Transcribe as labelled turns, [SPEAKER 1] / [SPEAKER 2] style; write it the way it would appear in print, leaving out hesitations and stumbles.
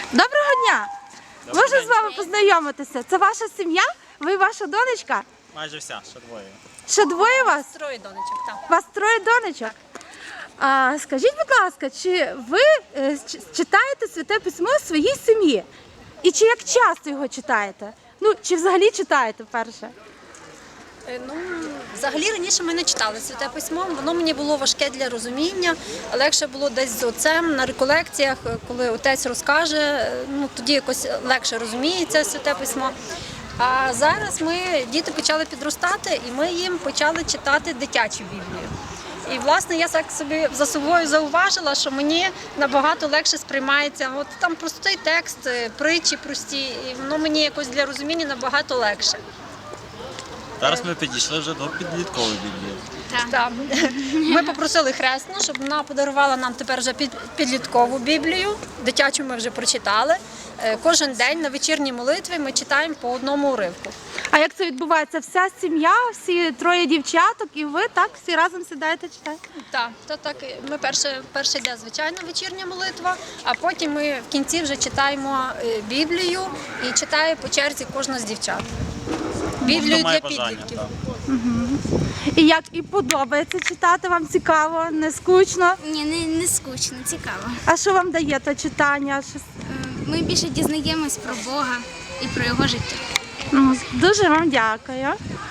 [SPEAKER 1] Доброго дня! Можу з вами познайомитися? Це ваша сім'я? Ви ваша донечка?
[SPEAKER 2] Майже вся, ще двоє.
[SPEAKER 1] Ще двоє вас?
[SPEAKER 3] Троє донечок, так.
[SPEAKER 1] У вас троє донечок? Скажіть, будь ласка, чи ви читаєте Святе Письмо в своїй сім'ї? І чи як часто його читаєте? Ну, чи взагалі читаєте перше?
[SPEAKER 3] Ну, взагалі раніше ми не читали Святе Письмо, воно мені було важке для розуміння, легше було десь з отцем на реколекціях, коли отець розкаже, ну тоді якось легше розуміється Святе Письмо. А зараз діти почали підростати, і ми їм почали читати дитячу Біблію. І, власне, я так собі за собою зауважила, що мені набагато легше сприймається. От там простий текст, притчі прості, і воно мені якось для розуміння набагато легше.
[SPEAKER 2] Зараз ми підійшли вже до підліткової Біблії.
[SPEAKER 3] Так. Ми попросили хресну, щоб вона подарувала нам тепер вже підліткову Біблію. Дитячу ми вже прочитали. Кожен день на вечірній молитві ми читаємо по одному уривку.
[SPEAKER 1] А як це відбувається? Вся сім'я, всі троє дівчаток, і ви так всі разом сідаєте читаєте?
[SPEAKER 3] Так. Ми перше йде звичайна вечірня молитва, а потім ми в кінці вже читаємо Біблію і читає по черзі кожна з дівчат. Біблію для підлітків.
[SPEAKER 1] І подобається читати? Вам цікаво, не скучно?
[SPEAKER 4] Ні, не скучно, цікаво.
[SPEAKER 1] А що вам дає то читання?
[SPEAKER 4] Ми більше дізнаємось про Бога і про його життя.
[SPEAKER 1] Дуже вам дякую.